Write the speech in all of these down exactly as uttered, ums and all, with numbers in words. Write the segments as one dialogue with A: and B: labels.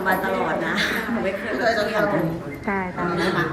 A: มาตลอดนะหนูไม่เคยเลยจะทำตรงนี้
B: ใช่ตามนั้นค่ะ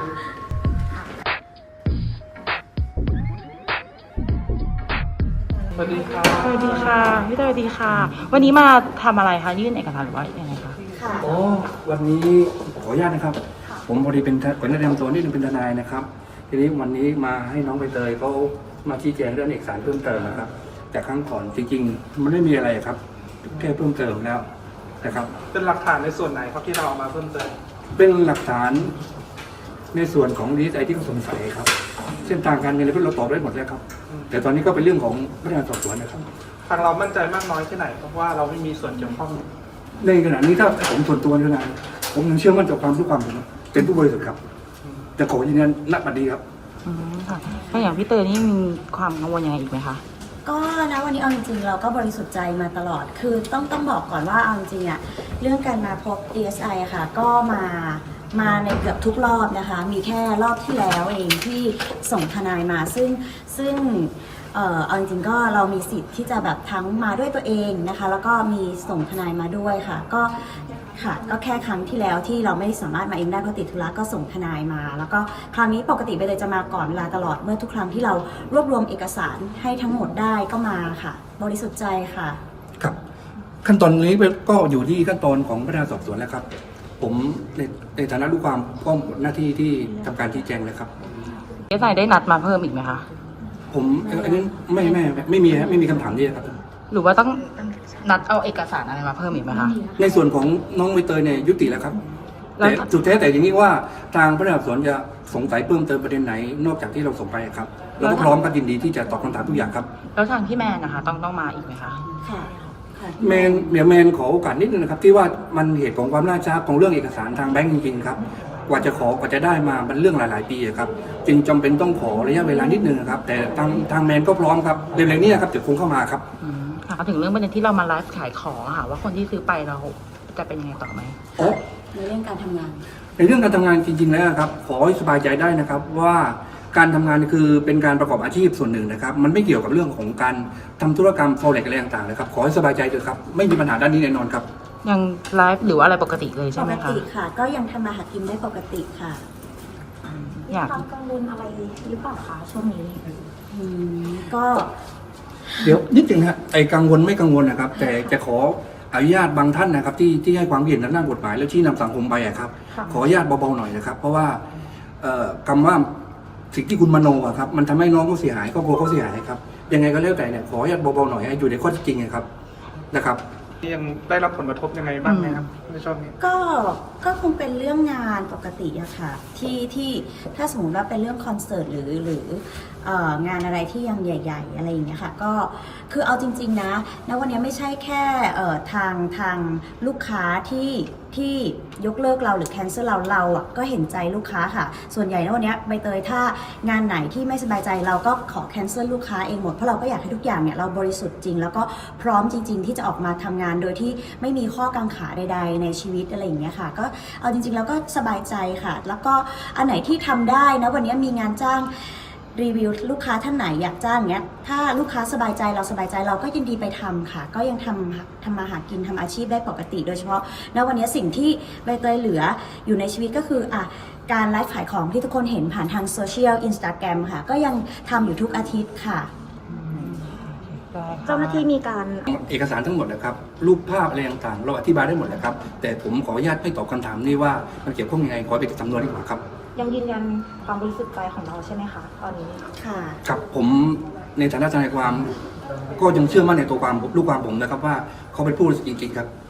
C: สวัสดีค่ะ
B: สวัสดีค่ะพี่เตยสวัสดีค่ะ วันนี้มาทำอะไรคะยื่นเอกสารหรือว่ายังไงคะ
A: ค่ะ
D: อ๋อวันนี้ขออนุญาตนะครับ ผมพอดีเป็นเป็นนักเรียนตัวนี่เป็นทนายนะครับ ทีนี้วันนี้มาให้น้องใบเตยเขามาชี้แจงเรื่องเอกสารเพิ่มเติมนะครับ แต่ครั้งก่อนจริงๆ มันไม่มีอะไรครับแค่เพิ่มเติมแล้วนะครับ
C: เป็นหลักฐานในส่วนไหนครับที่เราเอามาเพิ่มเติม
D: เป็นหลักฐานในส่วนของดีไอที่เขาสงสัยครับเส้นทางการเงินอะไรพวกเราตอบได้หมดแล้วครับ แต่ตอนนี้ก็เป็นเรื่องของพนักงานสอบสวนนะครับ
C: ทางเรามั่นใจมากน้อยแค่ไหนเพราะว่าเราไม่มีส่วนเกี่ยวข้อง
D: ในขณะนี้ถ้าผมส่วนตัวขนาดผมยังเชื่อมั่นต่อความรู้ความผมเป็นผู้บริสุทธิ์ครับแต่ขอยืนยันณบัดนี้ครับ
B: อืมค่ะแล้วอย่างพี่เตยนี่มีความกังวลยังไงอีกไหมคะ
A: ก็นะวันนี้เอาจริงๆเราก็บริสุทธิ์ใจมาตลอด คือต้องต้องบอกก่อนว่าเอาจริงๆอะเรื่องการมาพบ ดี เอส ไอ อะค่ะก็มามาในเกือบทุกรอบนะคะ มีแค่รอบที่แล้วเองที่ส่งทนายมาซึ่งซึ่งเอ่อเอาจริงๆก็เรามีสิทธิ์ที่จะแบบทั้งมาด้วยตัวเองนะคะ แล้วก็มีส่งทนายมาด้วยค่ะก็ค่ะก็แค่ครั้งที่แล้วที่เราไม่สามารถมาเองได้เพราะติดธุระก็ส่งทนายมา แล้วก็ครั้งนี้ปกติไปเลยจะมาก่อนเวลาตลอดเมื่อทุกครั้งที่เรารวบรวมเอกสารให้ทั้งหมดได้ก็มาค่ะ บริสุทธิ์ใจค่ะ
D: ครับ ขั้นตอนนี้ก็อยู่ที่ขั้นตอนของพนักงานสอบสวนแล้วครับ ผมในในฐานะลูกความก็หมดหน้าที่ที่ทำการชี้แจงแล้วครับ
B: เอสไอได้นัดมาเพิ่มอีกไหมคะ
D: ผมอันนี้ไม่ไม่ไม่มีฮะไม่มีคำถามนี้ครับ
B: หรือว่าต้องนัดเอาเอกสารอะไรมาเพิ่มอีกไหมคะ
D: ในส่วนของน้องใบเตยเนี่ยยุติแล้วครับ
B: แล้ว
D: แต่สุดแท้แต่อย่างนี้ว่าทางพนักงานสอบสวนจะสงสัยเพิ่มเติมประเด็นไหน นอกจากที่เราส่งไปครับเราก็พร้อมกันยินดีที่จะตอบคำถามทุกอย่างครับ
B: แล้วทางพี่แมนนะคะ ต้องต้องมาอีกไหมคะ
A: ค่ะค่ะ
D: แมนเดี๋ยวแมนขอโอกาสนิดนึงนะครับที่ว่ามันเหตุของความล่าช้าของเรื่องเอกสารทางแบงก์จริงๆครับกว่าจะขอกว่าจะได้มามันเรื่องหลายๆปีอะครับจึงจำเป็นต้องขอระยะเวลานิดนึงนะครับแต่ทางทางแมนก็พร้อมครับเร็วๆนี้ครับเดี๋ยวคงเข้ามาครับ
B: อืมค่ะถึงเรื่องประเด็นที่เรามาไลฟ์ขายของอะค่ะว่าคนที่ซื้อไปเราจะเป็นยังไงต่อไหม
D: อ๋อ
A: ในเรื่องการทำงาน
D: ในเรื่องการทำงานจริงๆแล้วครับขอให้สบายใจได้นะครับว่าการทำงานคือเป็นการประกอบอาชีพส่วนหนึ่งนะครับมันไม่เกี่ยวกับเรื่องของการทำธุรกรรม forex อะไรต่างๆนะครับขอให้สบายใจเถอะครับไม่มีปัญหาด้านนี้แน่นอนครับ
B: ยังไลฟ์หรือว่าอะไรปกติเลย
A: ป
B: ใช่ไหม
A: ก
B: คะ
A: ติค่ะ ก็ยังทำมาหากินได้ปกติค่ะ
B: อยาก
E: ความกังวลอะไรหรือเปล่าคะช่วงนี้
A: อืมก็
D: เดี๋ยวนิดนึงฮะไอ้กังวลไม่กังวลนะครับ แต่จะขออนุญาตบางท่านนะครับ ที่ที่ให้ความเห็นทางด้านกฎหมายแล้วที่นำสังคมไปอะครับ
E: ค่ะ
D: ขออนุญาตเบาๆหน่อยนะครับ เพราะว่าเอ่อคำว่าสิ่งที่คุณมโนอะครับมันทำให้น้องเขาเสียหายครอบครัวเขาเสียหายครับยังไงก็แล้วแต่เนี่ยขออนุญาตเบาๆหน่อยให้อยู่ในข้อเท็จจริงนะครับนะครับ
C: ยังได้รับผลกระทบยังไงบ้างไหมครับในช่วงนี้
A: ก็ก็คงเป็นเรื่องงานปกติอะค่ะที่ที่ถ้าสมมติว่าเป็นเรื่องคอนเสิร์ตหรือหรือเอ่องานอะไรที่ยังใหญ่ ๆ อะไรอย่างเงี้ยค่ะก็คือเอาจริง ๆ นะณวันนี้ไม่ใช่แค่เอ่อทางทางลูกค้าที่ที่ยกเลิกเราหรือแคนเซิลเราเราอะก็เห็นใจลูกค้าค่ะ ส่วนใหญ่ณวันนี้ใบเตยถ้างานไหนที่ไม่สบายใจเราก็ขอแคนเซิลลูกค้าเองหมดเพราะเราก็อยากให้ทุกอย่างเนี่ยเราบริสุทธิ์จริง แล้วก็พร้อมจริง ๆ ที่จะออกมาทำงานโดยที่ไม่มีข้อกังขาใด ๆ ในชีวิตอะไรอย่างเงี้ยค่ะก็เอาจริงๆแล้วก็สบายใจค่ะ แล้วก็อันไหนที่ทำได้นะวันนี้มีงานจ้างรีวิวลูกค้าท่านไหนอยากจ้างเงี้ยถ้าลูกค้าสบายใจเราสบายใจเราก็ยินดีไปทำค่ะ ก็ยังทำทำมาหากินทำอาชีพได้ปกติ โดยเฉพาะณวันนี้สิ่งที่ใบเตยเหลืออยู่ในชีวิตก็คืออ่ะการไลฟ์ขายของที่ทุกคนเห็นผ่านทางโซเชียลอินสตาแกรมค่ะก็ยังทำอยู่ทุกอาทิตย์ค่ะ
E: เจ้าหน้าที่มีการ
D: เอกสารทั้งหมดนะครับรูปภาพอะไรต่างๆเราอธิบายได้หมดแล้วครับแต่ผมขออนุญาตไม่ตอบคำถามนี้ว่ามันเกี่ยวข้องยังไงขอไปติดสำนวนดีกว่าครับ
E: ยังยืนยันความบริสุทธิ์ใจของเราใช่ไหมคะตอนนี้
A: ค่ะ
D: ครับผมในฐานะทนายความก็ยังเชื่อมั่นในตัวความลูกความผมนะครับว่าเขาเป็นผู้บริสุทธิ์จริงๆครับ